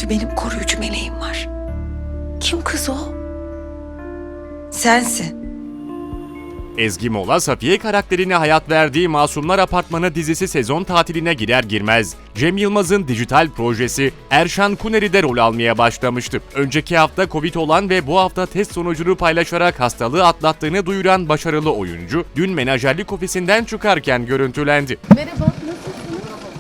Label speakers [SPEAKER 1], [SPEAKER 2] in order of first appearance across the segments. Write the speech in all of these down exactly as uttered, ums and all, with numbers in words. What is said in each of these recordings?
[SPEAKER 1] Çünkü benim koruyucu meleğim var. Kim kız o? Sensin.
[SPEAKER 2] Ezgi Mola, Safiye karakterine hayat verdiği Masumlar Apartmanı dizisi sezon tatiline girer girmez, Cem Yılmaz'ın dijital projesi Erşan Kuneri'de rol almaya başlamıştı. Önceki hafta Covid olan ve bu hafta test sonucunu paylaşarak hastalığı atlattığını duyuran başarılı oyuncu, dün menajerlik ofisinden çıkarken görüntülendi.
[SPEAKER 3] Merhaba, nasılsınız?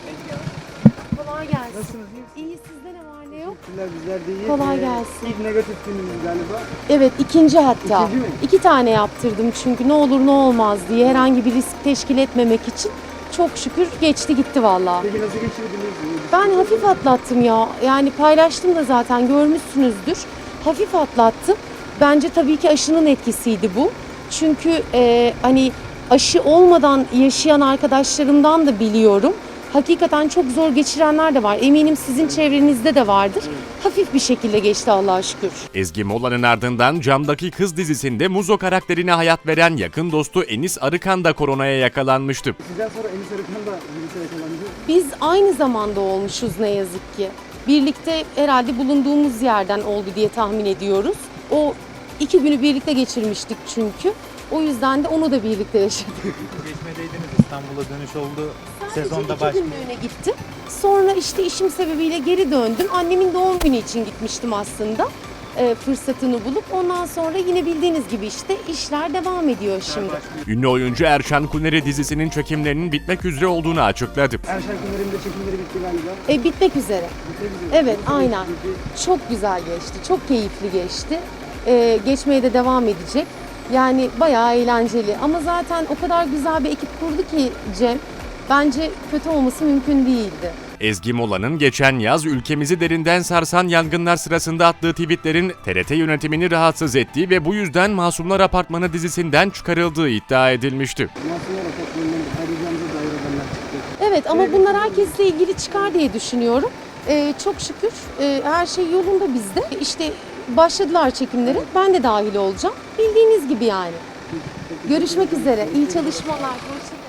[SPEAKER 3] Kolay gelsin.
[SPEAKER 4] Nasılsınız? İyi
[SPEAKER 3] İyi, sizde ne var ne yok?
[SPEAKER 4] Teşekkürler, bizler de iyi.
[SPEAKER 3] Kolay
[SPEAKER 4] Ee,
[SPEAKER 3] gelsin.
[SPEAKER 4] İlk negatif günümüz galiba.
[SPEAKER 3] Evet, ikinci hatta.
[SPEAKER 4] İkinci mi?
[SPEAKER 3] İki tane yaptırdım çünkü ne olur ne olmaz diye herhangi bir risk teşkil etmemek için. Çok şükür geçti gitti vallahi.
[SPEAKER 4] Peki nasıl geçirdiniz?
[SPEAKER 3] Ben hafif atlattım ya. Yani paylaştım da zaten görmüşsünüzdür. Hafif atlattım. Bence tabii ki aşının etkisiydi bu. Çünkü e, hani aşı olmadan yaşayan arkadaşlarımdan da biliyorum. Hakikaten çok zor geçirenler de var. Eminim sizin çevrenizde de vardır. Hafif bir şekilde geçti Allah'a şükür.
[SPEAKER 2] Ezgi Mola'nın ardından Camdaki Kız dizisinde Muzo karakterine hayat veren yakın dostu Enis Arıkan da koronaya yakalanmıştı.
[SPEAKER 4] Sizden sonra Enis Arıkan da virüse yakalandı.
[SPEAKER 3] Biz aynı zamanda olmuşuz ne yazık ki. Birlikte herhalde bulunduğumuz yerden oldu diye tahmin ediyoruz. O iki günü birlikte geçirmiştik çünkü. O yüzden de onu da birlikte yaşadık.
[SPEAKER 5] Geçmedeydiniz, İstanbul'a dönüş oldu. Sezonda
[SPEAKER 3] Sadece iki
[SPEAKER 5] başlıyor.
[SPEAKER 3] günlüğüne gittim. Sonra işte işim sebebiyle geri döndüm. Annemin doğum günü için gitmiştim aslında. E, fırsatını bulup ondan sonra yine bildiğiniz gibi işte işler devam ediyor şimdi.
[SPEAKER 2] Ünlü oyuncu Erşan Kuneri dizisinin çekimlerinin bitmek üzere olduğunu açıkladı.
[SPEAKER 4] Erşen Kuneri'nin de çekimleri bitti galiba.
[SPEAKER 3] E, bitmek üzere.
[SPEAKER 4] Bitirebiliriz.
[SPEAKER 3] Evet,
[SPEAKER 4] Nasıl
[SPEAKER 3] aynen.
[SPEAKER 4] geçti?
[SPEAKER 3] Çok güzel geçti. Çok keyifli geçti. E, geçmeye de devam edecek. Yani bayağı eğlenceli. Ama zaten o kadar güzel bir ekip kurdu ki Cem. Bence kötü olması mümkün değildi.
[SPEAKER 2] Ezgi Mola'nın geçen yaz ülkemizi derinden sarsan yangınlar sırasında attığı tweetlerin T R T yönetimini rahatsız ettiği ve bu yüzden Masumlar Apartmanı dizisinden çıkarıldığı iddia edilmişti.
[SPEAKER 4] Masumlar Apartmanı'ndan ayrılacağımıza dair haberler çıktı.
[SPEAKER 3] Evet ama bunlar herkesle ilgili çıkar diye düşünüyorum. Ee, çok şükür e, her şey yolunda bizde. İşte başladılar çekimleri. Ben de dahil olacağım. Bildiğiniz gibi yani. Görüşmek üzere. İyi çalışmalar. Hoşça kalın.